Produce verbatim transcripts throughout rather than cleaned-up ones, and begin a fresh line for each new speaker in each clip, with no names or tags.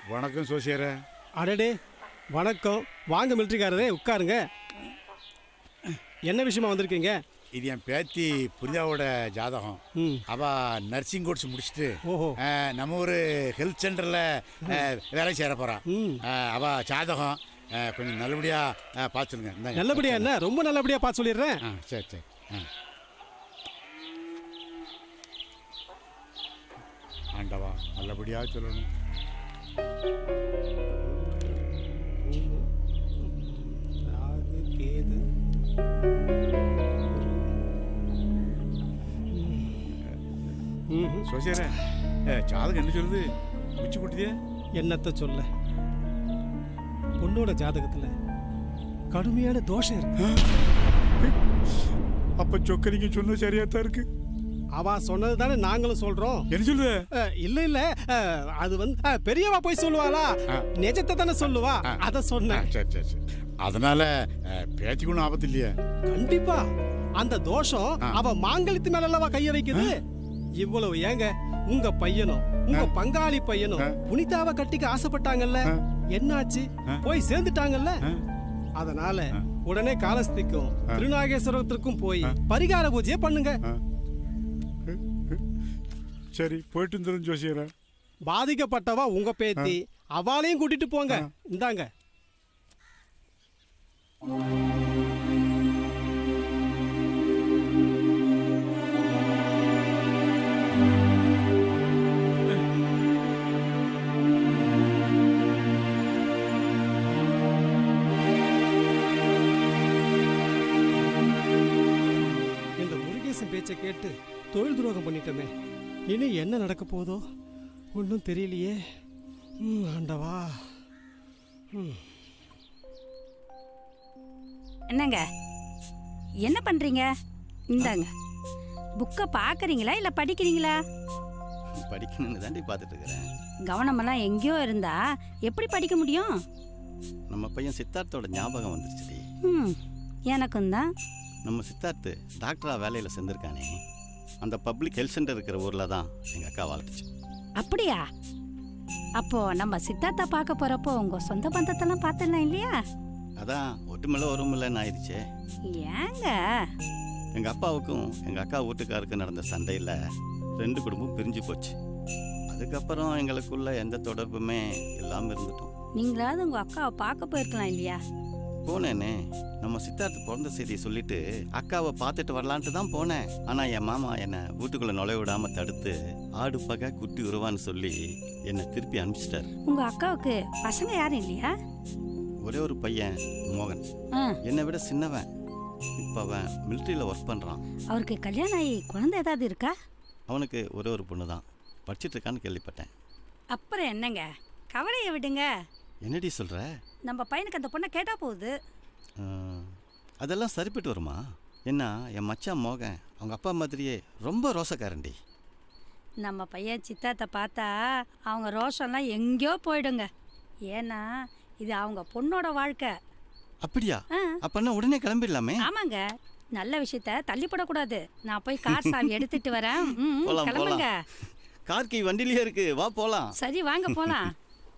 வணக்கம் சோசியரே.
அடடே வணக்கம். வாங்க மிலிட்ரிக்காரரே உட்காருங்க. என்ன விஷயமா வந்திருக்கீங்க?
இது என் பேத்தி புரிதாவோட ஜாதகம். அவள் நர்சிங் கோர்ஸ் முடிச்சுட்டு நம்ம ஒரு ஹெல்த் சென்டரில் வேலை சேர போகிறான். அவள் ஜாதகம் கொஞ்சம் நல்லபடியாக பார்த்துருங்க.
நல்லபடியா என்ன? ரொம்ப நல்லபடியாக பார்த்து சொல்லிடுறேன்.
ஆ சரி சரி. ஆ ஆண்டவா நல்லபடியாக சொல்லணும்.
கேது
சோசியரே, ஜாதகம் என்ன சொல்லுது? மிச்சு குட்டிதே
என்னத்த சொல்ல, பொண்ணோட ஜாதகத்துல கடுமையான தோஷம் இருக்கு.
அப்ப சொக்கலிங்க சொன்ன சரியாத்தான் இருக்கு.
அவா சொன்னது தானே நாங்களும் சொல்றோம்.
என்ன சொல்லுவ?
இல்ல இல்ல, அது வந்து பெரியவா போய் சொல்லுவாளா, நிஜத்தை தானே சொல்லுவா, அத சொன்னேன்.
சரி சரி சரி. அதனால பேத்திக்கு ஒன்றும் ஆபத்து இல்லையா?
கண்டிப்பா. அந்த தோஷம் அவ மாங்கல்யத்து மேல அல்லவா கைய வைக்குது. இவ்வளவு ஏங்க, உங்க பையனும் உங்க பங்காளி பையனும் புனிதாவை கட்டிக்க ஆசைப்பட்டாங்கல்ல, என்னாச்சு? போய் சேர்ந்துட்டாங்கல்ல. அதனால உடனே காலஸ்திக்கும் திருநாகேஸ்வரத்திற்கும் போய் பரிகார பூஜையை பண்ணுங்க.
சரி, போயிட்டு வந்துடும் ஜோசியரா.
பாதிக்கப்பட்டவா உங்க பேத்தி, அவளையும் கூட்டிட்டு போங்க. இந்தாங்க. இந்த முருகேசன் பேச்சை கேட்டு தொழில் துரோகம் பண்ணிட்டோமே, இனி என்ன நடக்க போதோ ஒன்றும் தெரியலையே. ஆண்டவா.
என்னங்க என்ன பண்றீங்க? இந்தாங்க, புக்கை பார்க்குறீங்களா இல்லை படிக்கிறீங்களா?
படிக்கணும்னு தாண்டி பார்த்துட்டு இருக்கிறேன்.
கவனமெல்லாம் எங்கேயோ இருந்தா எப்படி படிக்க முடியும்?
நம்ம பையன் சித்தார்த்தோட ஞாபகம் வந்துருச்சுடி.
ம் எனக்கும் தான்.
நம்ம சித்தார்த்து டாக்டராக வேலையில் சேர்ந்துருக்கானே, அந்த பப்ளிக் ஹெல்த் சென்டர் இருக்கிற ஊரில் தான் எங்கள் அக்கா வாழ்த்துச்சு.
அப்படியா? அப்போ நம்ம சித்தார்த்தா பார்க்க போகிறப்போ உங்கள் சொந்த பந்தத்தெல்லாம் பார்த்துடலாம் இல்லையா?
அதான் ஒட்டுமில்ல ஒருமில்லன்னு ஆயிடுச்சே.
ஏங்க?
எங்கள் அப்பாவுக்கும் எங்கள் அக்கா வீட்டுக்காருக்கும் நடந்த சண்டையில் ரெண்டு குடும்பம் பிரிஞ்சு போச்சு. அதுக்கப்புறம் எங்களுக்குள்ள எந்த தொடர்புமே இல்லாமல் இருந்துட்டோம்.
நீங்களாவது உங்கள் அக்காவை பார்க்க போயிருக்கலாம் இல்லையா?
போனேனே, நம்ம சித்தார்த்து பிறந்த செய்தியை சொல்லிட்டு அக்காவை பார்த்துட்டு வரலான்ட்டு தான் போனேன். ஆனால் என் மாமா என்னை வீட்டுக்குள்ளே நுழைய விடாமல் தடுத்து ஆடு பகை குட்டி உருவான்னு சொல்லி என்னை திருப்பி அனுப்பிச்சிட்டாரு.
உங்கள் அக்காவுக்கு பசங்க யாரும் இல்லையா?
ஒரே ஒரு பையன் மோகன், என்னை விட சின்னவன். இப்போ அவன் மிலிட்ரியில் ஒர்க் பண்ணுறான்.
அவருக்கு கல்யாணம் ஆகி குழந்தை ஏதாவது இருக்கா?
அவனுக்கு ஒரே ஒரு பொண்ணு தான், படிச்சுட்டு இருக்கான்னு கேள்விப்பட்டேன்.
அப்புறம் என்னங்க, கவலையை விடுங்க.
என்னடி சொல்கிற?
நம்ம பையனுக்கு அந்த பொண்ணை கேட்டால் போகுது.
அதெல்லாம் சரிப்பட்டு வருமா? என்ன, என் மச்சான் மோகன் அவங்க அப்பா மாதிரியே ரொம்ப ரோசக்காரண்டி.
நம்ம பையன் சித்தாத்தை பார்த்தா அவங்க ரோஷம்லாம் எங்கேயோ போயிடுங்க. ஏன்னா இது அவங்க பொண்ணோட வாழ்க்கை.
அப்படியா? அப்பன்னா உடனே கிளம்பிடலாமே.
ஆமாங்க, நல்ல விஷயத்த தள்ளிப்படக்கூடாது. நான் போய் கார் சாவி எடுத்துட்டு வரேன். கிளம்புங்க.
கார் கீ வண்டிலேயே இருக்கு, வா போலாம்.
சரி வாங்க போலாம்.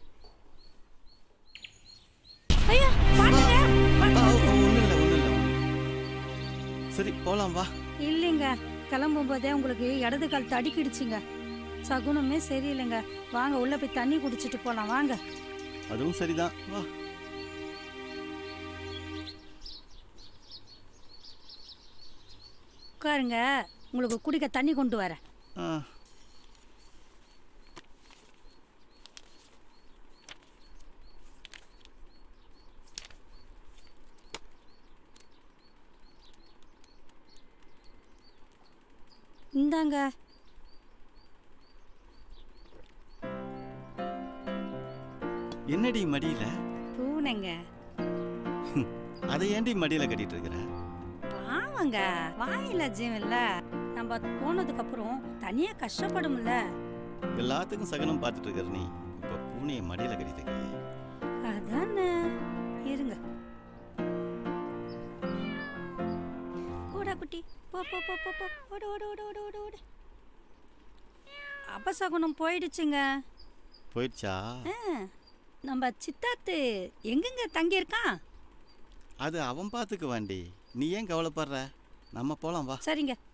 ஐயா பாருங்க.
ஒண்ணு இல்ல ஒண்ணு இல்ல. சரி போலாம் வா.
இல்லைங்க, கிளம்பும் போதே உங்களுக்கு இடது கால் தடிக்கிடுச்சுங்க. சகுனமே சரியில்லைங்க. வாங்க உள்ள போய் தண்ணி குடிச்சிட்டு போலாம் வாங்க.
அதுவும் சரிதான், வா.
உட்காருங்க, உங்களுக்கு குடிக்க தண்ணி கொண்டு வரேன். இந்தாங்க.
என்னடி மடியில?
பூனைங்க.
அதை ஏண்டி மடியில கட்டிட்டு இருக்கிற?
பாவங்க, வாயில ஜீவன் இல்ல. நம்ம போனதுக்கு அப்புறம் தனியா கஷ்டப்படும்ல.
எல்லாத்துக்கும் சகனம் பார்த்துட்டு இருக்கிற நீ இப்ப பூனையை மடியில கட்டிட்டு இருக்கியே.
அதானே. இருங்க. ஓடா குட்டி, போ போ போ போ போ. ஓடு ஓடு ஓடு ஓடு ஓடு ஓடு. அபசகுனம் போயிடுச்சுங்க.
போயிடுச்சா?
ஆ, நம்ம சித்தாத்து எங்கெங்க தங்கியிருக்கான்?
அது அவன் பார்த்துக்குவாண்டி, நீ ஏன் கவலைப்படுற? நம்ம போலாம் வா.
சரிங்க